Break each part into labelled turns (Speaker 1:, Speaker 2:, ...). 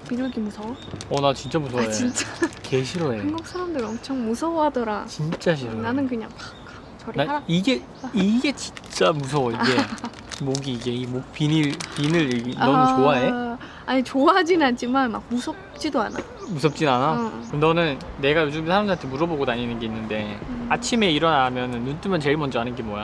Speaker 1: 비둘기 무서워?
Speaker 2: 나 진짜 무서워해.
Speaker 1: 아 진짜?
Speaker 2: 개 싫어해.
Speaker 1: 한국 사람들 엄청 무서워하더라.
Speaker 2: 진짜 싫어해.
Speaker 1: 나는 그냥 팍 저리
Speaker 2: 나
Speaker 1: 하라.
Speaker 2: 이게 진짜 무서워. 이게 목이 이게 이 목 비늘 너무 좋아해?
Speaker 1: 아니 좋아하진 않지만 막 무섭지도 않아.
Speaker 2: 무섭진 않아?
Speaker 1: 응.
Speaker 2: 그럼 너는 내가 요즘 사람들한테 물어보고 다니는 게 있는데 아침에 일어나면 눈 뜨면 제일 먼저 하는 게 뭐야?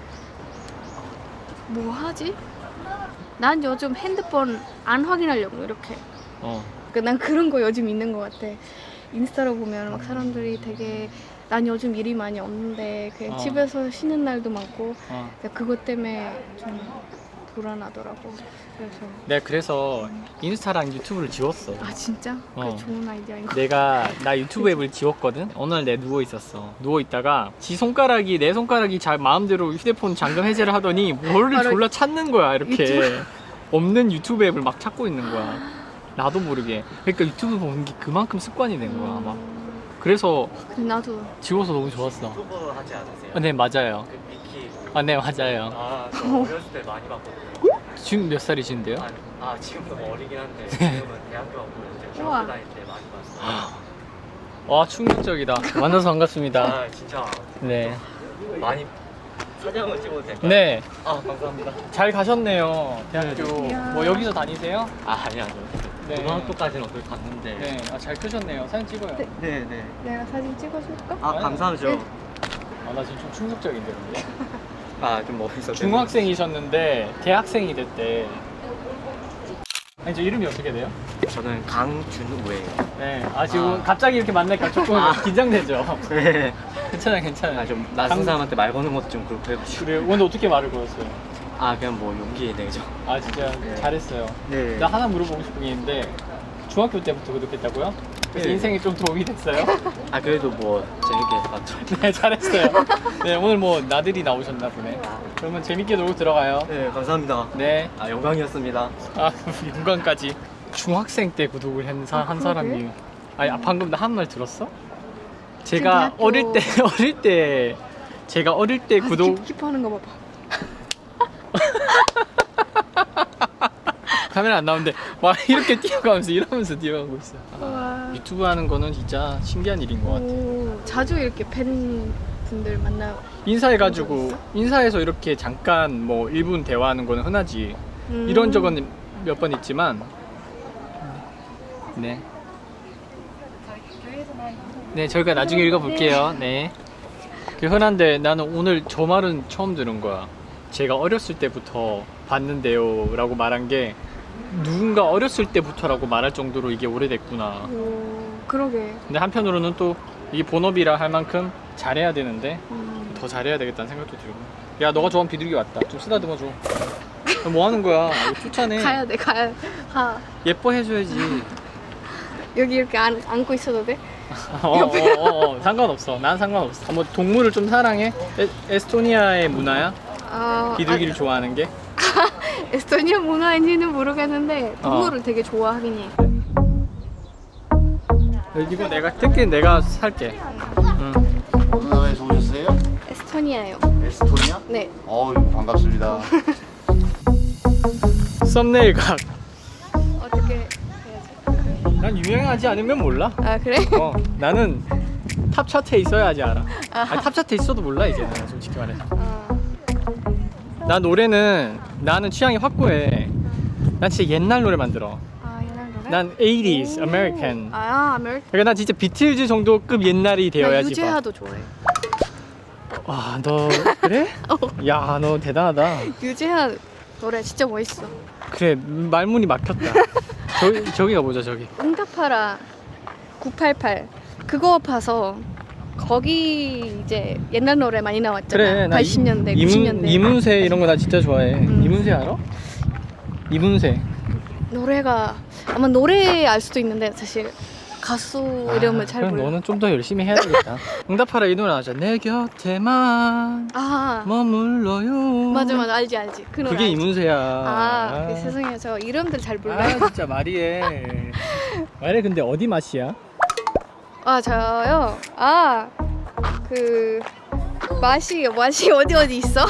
Speaker 1: 뭐 하지? 난 요즘 핸드폰 안 확인하려고 이렇게. 난 그런 거 요즘 있는 것 같아. 인스타로 보면 막 사람들이 되게 난 요즘 일이 많이 없는데 그냥 집에서 쉬는 날도 많고 그것 때문에 좀 불안하더라고.
Speaker 2: 내가 그래서 인스타랑 유튜브를 지웠어.
Speaker 1: 아 진짜? 그게 좋은 아이디어인 거.
Speaker 2: 나 유튜브 앱을 지웠거든? 어느 날 내가 누워있었어. 누워있다가 내 손가락이 잘 마음대로 휴대폰 잠금 해제를 하더니 뭐를 졸라 찾는 거야 이렇게.
Speaker 1: 유튜브?
Speaker 2: 없는 유튜브 앱을 막 찾고 있는 거야. 나도 모르게. 그러니까 유튜브 보는 게 그만큼 습관이 된 거야 막. 그래서
Speaker 1: 근데 나도
Speaker 2: 지워서 너무 좋았어.
Speaker 3: 유튜버 하지 않으세요?
Speaker 2: 네 맞아요.
Speaker 3: 그 미키.
Speaker 2: 네 맞아요.
Speaker 3: 저 어렸을 때 많이 봤거든요.
Speaker 2: 지금 몇 살이신데요?
Speaker 3: 지금 너무 어리긴 한데 지금은 대학교 가고 이제
Speaker 1: 우와.
Speaker 3: 중학교 다닐 때 많이 봤어요.
Speaker 2: 와 충격적이다. 만나서 반갑습니다.
Speaker 3: 진짜
Speaker 2: 네.
Speaker 3: 많이 사진 한번 찍어도 될까요?
Speaker 2: 네.
Speaker 3: 감사합니다.
Speaker 2: 잘 가셨네요. 대학교.
Speaker 1: 이야.
Speaker 2: 뭐 여기서 다니세요?
Speaker 3: 아니요.
Speaker 2: 네.
Speaker 3: 고등학교까지는 어떻게 갔는데.
Speaker 2: 네. 잘 크셨네요. 사진 찍어요.
Speaker 1: 네.
Speaker 3: 네.
Speaker 1: 내가 사진 찍어줄까?
Speaker 3: 감사하죠.
Speaker 1: 네.
Speaker 2: 나 지금 좀 충격적인데 근데.
Speaker 3: 좀 멋있었어요.
Speaker 2: 중학생이셨는데 대학생이 됐대. 아니 저 이름이 어떻게 돼요?
Speaker 3: 저는 강준우예요.
Speaker 2: 네. 지금 갑자기 이렇게 만나니까 조금 긴장되죠.
Speaker 3: 네.
Speaker 2: 괜찮아요.
Speaker 3: 좀 낯선 사람한테 말 거는 것도 좀 그렇고 해가지고.
Speaker 2: 그래 오늘 어떻게 말을 걸었어요?
Speaker 3: 그냥 뭐 용기 내죠.
Speaker 2: 진짜
Speaker 3: 네.
Speaker 2: 잘했어요.
Speaker 3: 네.
Speaker 2: 나 하나 물어보고 싶은 게 있는데 중학교 때부터 구독했다고요? 그래서
Speaker 3: 네.
Speaker 2: 인생에 좀 도움이 됐어요?
Speaker 3: 그래도 뭐 재밌게 봤죠.
Speaker 2: 네 잘했어요. 네 오늘 뭐 나들이 나오셨나 보네. 그러면 재밌게 놀고 들어가요.
Speaker 3: 네, 감사합니다.
Speaker 2: 네.
Speaker 3: 영광이었습니다.
Speaker 2: 영광까지. 중학생 때 구독을 한 사람이. 방금 나 한 말 들었어? 제가
Speaker 1: 대학교-
Speaker 2: 어릴 때 구독
Speaker 1: 킵하는 거 봐봐.
Speaker 2: 카메라 안 나오는데 막 이렇게 이러면서 뛰어가고 있어.
Speaker 1: 와.
Speaker 2: 유튜브 하는 거는 진짜 신기한 일인 것 같아.
Speaker 1: 자주 이렇게 팬분들 만나.
Speaker 2: 인사해가지고 인사해서 이렇게 잠깐 뭐 1분 대화하는 거는 흔하지. 이런 적은 몇 번 있지만 네 저희가 나중에 읽어볼게요. 네. 흔한데 나는 오늘 저 말은 처음 들은 거야. 제가 어렸을 때부터 봤는데요 라고 말한 게 누군가 어렸을 때부터라고 말할 정도로 이게 오래됐구나.
Speaker 1: 그러게.
Speaker 2: 근데 한편으로는 또 이게 본업이라 할 만큼 잘해야 되는데 더 잘해야 되겠다는 생각도 들고. 야 너가 좋아하는 비둘기 왔다. 좀 쓰다듬어 줘. 뭐 하는 거야? 이거 쫓아내.
Speaker 1: 가야 돼. 가.
Speaker 2: 예뻐해줘야지.
Speaker 1: 여기 이렇게 안고 있어도 돼?
Speaker 2: 상관없어. 난 상관없어. 뭐 동물을 좀 사랑해? 에스토니아의 문화야? 비둘기를 좋아하는 게?
Speaker 1: 에스토니아 문화인지는 모르겠는데 동물을 되게 좋아하긴 해.
Speaker 2: 이거 특히 내가 살게.
Speaker 4: 어느 나라에서 오셨어요?
Speaker 1: 에스토니아요.
Speaker 4: 에스토니아?
Speaker 1: 네.
Speaker 4: 반갑습니다.
Speaker 2: 썸네일 각.
Speaker 1: 어떻게 해야지?
Speaker 2: 난 유명하지 않으면 몰라.
Speaker 1: 그래?
Speaker 2: 나는 탑 차트에 있어야지 알아. 탑 차트에 있어도 몰라 이제는 솔직히 말해서. 나는 취향이 확고해. 난 진짜 옛날 노래만 들어.
Speaker 1: 옛날 노래?
Speaker 2: 난 80s American.
Speaker 1: 아메리칸.
Speaker 2: 그러니까 난 진짜 비틀즈 정도급 옛날이
Speaker 1: 나
Speaker 2: 되어야지.
Speaker 1: 유재하도 좋아해.
Speaker 2: 너 그래? 야, 너 대단하다.
Speaker 1: 유재하 노래 진짜 멋있어.
Speaker 2: 그래, 말문이 막혔다. 저기 가보자, 저기.
Speaker 1: 응답하라 988 그거 봐서 거기 이제 옛날 노래 많이 나왔잖아.
Speaker 2: 그래, 나
Speaker 1: 80년대, 90년대.
Speaker 2: 이문세 이런 거 나 진짜 좋아해. 이문세 알아? 이문세.
Speaker 1: 노래가 아마 노래 알 수도 있는데 사실 가수 이름을 잘
Speaker 2: 그럼
Speaker 1: 몰라.
Speaker 2: 너는 좀 더 열심히 해야 되겠다. 응답하라 이 노래 알죠? 내 곁에만 머물러요.
Speaker 1: 맞아 알지 그 노래
Speaker 2: 그게
Speaker 1: 알지.
Speaker 2: 이문세야.
Speaker 1: 세상에 저 이름들 잘 몰라요.
Speaker 2: 진짜 말이해. 근데 어디 맛이야?
Speaker 1: 저요? 그 맛이 어디 있어?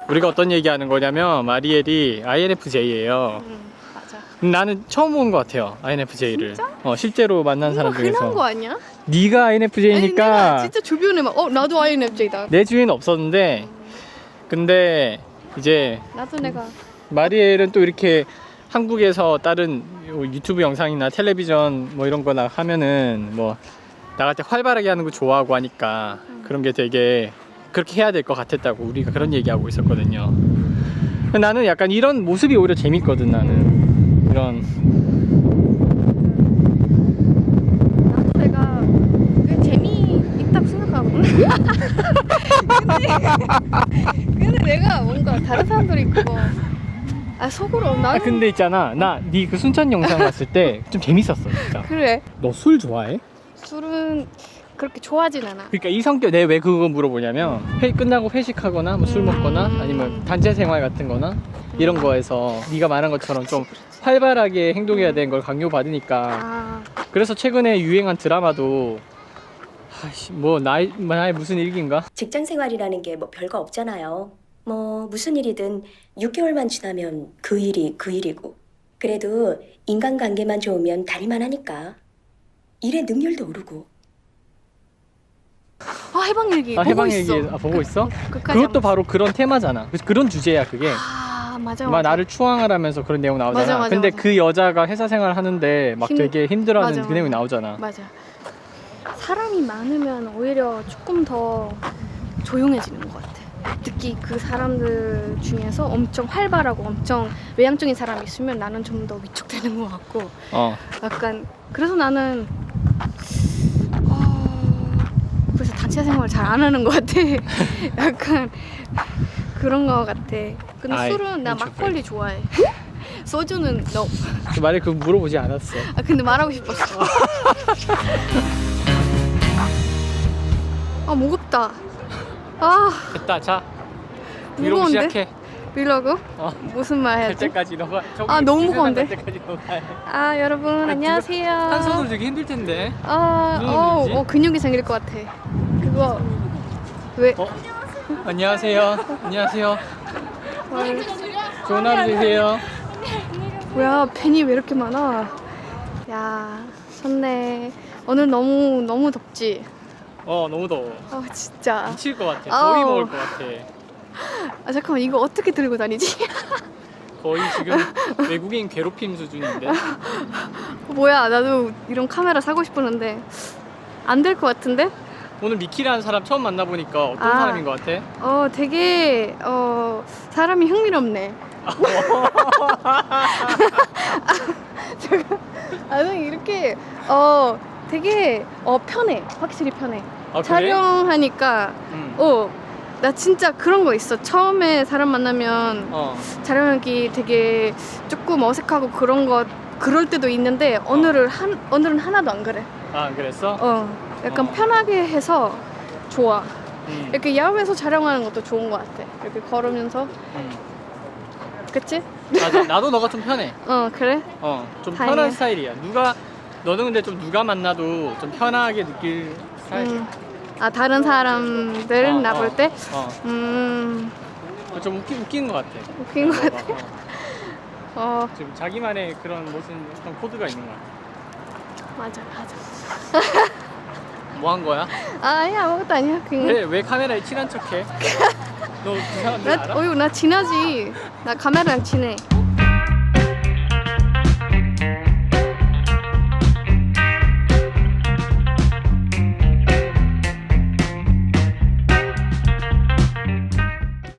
Speaker 2: 우리가 어떤 얘기하는 거냐면 마리엘이 INFJ예요.
Speaker 1: 맞아.
Speaker 2: 나는 처음 본 것 같아요, INFJ를.
Speaker 1: 진짜?
Speaker 2: 실제로 만난 사람
Speaker 1: 흔한 거
Speaker 2: 중에서.
Speaker 1: 아니야?
Speaker 2: 네가
Speaker 1: 아니, 내가
Speaker 2: INFJ니까
Speaker 1: 진짜 주변에 막 나도 INFJ다.
Speaker 2: 내 주위는 없었는데, 근데 이제
Speaker 1: 나도 내가
Speaker 2: 마리엘은 또 이렇게 한국에서 다른 유튜브 영상이나 텔레비전 뭐 이런 거나 하면은 뭐 나갈 때 활발하게 하는 거 좋아하고 하니까 그런 게 되게 그렇게 해야 될 것 같았다고 우리가 그런 얘기하고 있었거든요. 나는 약간 이런 모습이 오히려 재밌거든. 나는 이런
Speaker 1: 나도 내가 그 재미있다고 생각하거든. 근데 내가 뭔가 다른 사람들이 그거 속으로 나는
Speaker 2: 근데 있잖아, 나 네 그 순천 영상 봤을 때 좀 재밌었어 진짜.
Speaker 1: 그래.
Speaker 2: 너 술 좋아해?
Speaker 1: 술은 그렇게 좋아하진 않아.
Speaker 2: 그러니까 이 성격 내가 왜 그거 물어보냐면 끝나고 회식하거나 뭐 술 먹거나 아니면 단체 생활 같은 거나 이런 거에서 네가 말한 것처럼 좀 활발하게 행동해야 되는 걸 강요받으니까.
Speaker 1: 아,
Speaker 2: 그래서 최근에 유행한 드라마도 뭐 나의 무슨 일기인가?
Speaker 5: 직장 생활이라는 게 뭐 별거 없잖아요. 뭐 무슨 일이든 6개월만 지나면 그 일이 그 일이고. 그래도 인간관계만 좋으면 다를만 하니까. 일의 능률도 오르고.
Speaker 1: 해방일기 보고
Speaker 2: 해방일기
Speaker 1: 있어.
Speaker 2: 보고 있어?
Speaker 1: 끝까지
Speaker 2: 그것도
Speaker 1: 안
Speaker 2: 바로 그런 테마잖아. 그런 주제야 그게.
Speaker 1: 맞아.
Speaker 2: 막 나를 추앙하라면서 그런 내용 나오잖아.
Speaker 1: 맞아, 맞아,
Speaker 2: 근데
Speaker 1: 맞아.
Speaker 2: 그 여자가 회사 생활 하는데 막 되게 힘들어하는
Speaker 1: 맞아,
Speaker 2: 그 내용이
Speaker 1: 맞아.
Speaker 2: 나오잖아.
Speaker 1: 맞아. 사람이 많으면 오히려 조금 더 조용해지는 것 같아. 특히 그 사람들 중에서 엄청 활발하고 엄청 외향적인 사람이 있으면 나는 좀 더 위축되는 것 같고. 약간 그래서 나는 그래서 단체 생활 잘 안 하는 것 같아. 약간 그런 것 같아. 근데 술은 나
Speaker 2: introvert.
Speaker 1: 막걸리 좋아해. 소주는 no.
Speaker 2: 말에 그거 물어보지 않았어.
Speaker 1: 근데 말하고 싶었어. 무겁다.
Speaker 2: 됐다. 자, 위로
Speaker 1: 무거운데?
Speaker 2: 시작해.
Speaker 1: 이러고? 무슨 말
Speaker 2: 갈
Speaker 1: 해야지?
Speaker 2: 때까지 너가 저기
Speaker 1: 너무
Speaker 2: 기세상
Speaker 1: 무거운데?
Speaker 2: 갈 때까지 너가 해.
Speaker 1: 여러분 안녕하세요.
Speaker 2: 한 손으로 되게 힘들 텐데.
Speaker 1: 무슨 일이지? 근육이 생길 것 같아. 그거 왜?
Speaker 2: 안녕하세요. 안녕하세요.
Speaker 1: 헐.
Speaker 2: 좋은 하루 되세요.
Speaker 1: 뭐야 팬이 왜 이렇게 많아? 야 좋네. 오늘 너무 덥지?
Speaker 2: 너무 더워.
Speaker 1: 진짜.
Speaker 2: 미칠 것 같아.
Speaker 1: 아우.
Speaker 2: 더위 먹을 것 같아.
Speaker 1: 잠깐만 이거 어떻게 들고 다니지?
Speaker 2: 거의 지금 외국인 괴롭힘 수준인데.
Speaker 1: 뭐야 나도 이런 카메라 사고 싶었는데 안 될 것 같은데?
Speaker 2: 오늘 미키라는 사람 처음 만나보니까 어떤 사람인 것 같아?
Speaker 1: 되게 사람이 흥미롭네. 잠깐 이렇게 되게 편해. 확실히 편해.
Speaker 2: 그래?
Speaker 1: 촬영하니까 나 진짜 그런 거 있어. 처음에 사람 만나면 촬영하기 되게 조금 어색하고 그럴 때도 있는데 오늘은 하나도 안 그래.
Speaker 2: 안 그랬어?
Speaker 1: 약간 편하게 해서 좋아. 이렇게 야외에서 촬영하는 것도 좋은 것 같아. 이렇게 걸으면서. 그치?
Speaker 2: 맞아. 나도 너가 좀 편해.
Speaker 1: 그래?
Speaker 2: 좀
Speaker 1: 다행이야.
Speaker 2: 편한 스타일이야. 너는 근데 좀 누가 만나도 좀 편하게 느낄 스타일이야.
Speaker 1: 다른 사람들 나 볼 때?
Speaker 2: 좀 웃긴 것 같아.
Speaker 1: 웃긴 것 같아?
Speaker 2: 지금 자기만의 그런 무슨 어떤 코드가 있는 것 같아.
Speaker 1: 맞아.
Speaker 2: 뭐 한 거야?
Speaker 1: 아니야 아무것도 아니야. 그냥
Speaker 2: 왜 카메라에 친한 척해? 너 그 사람들 알아?
Speaker 1: 나 친하지. 나 카메라랑 친해.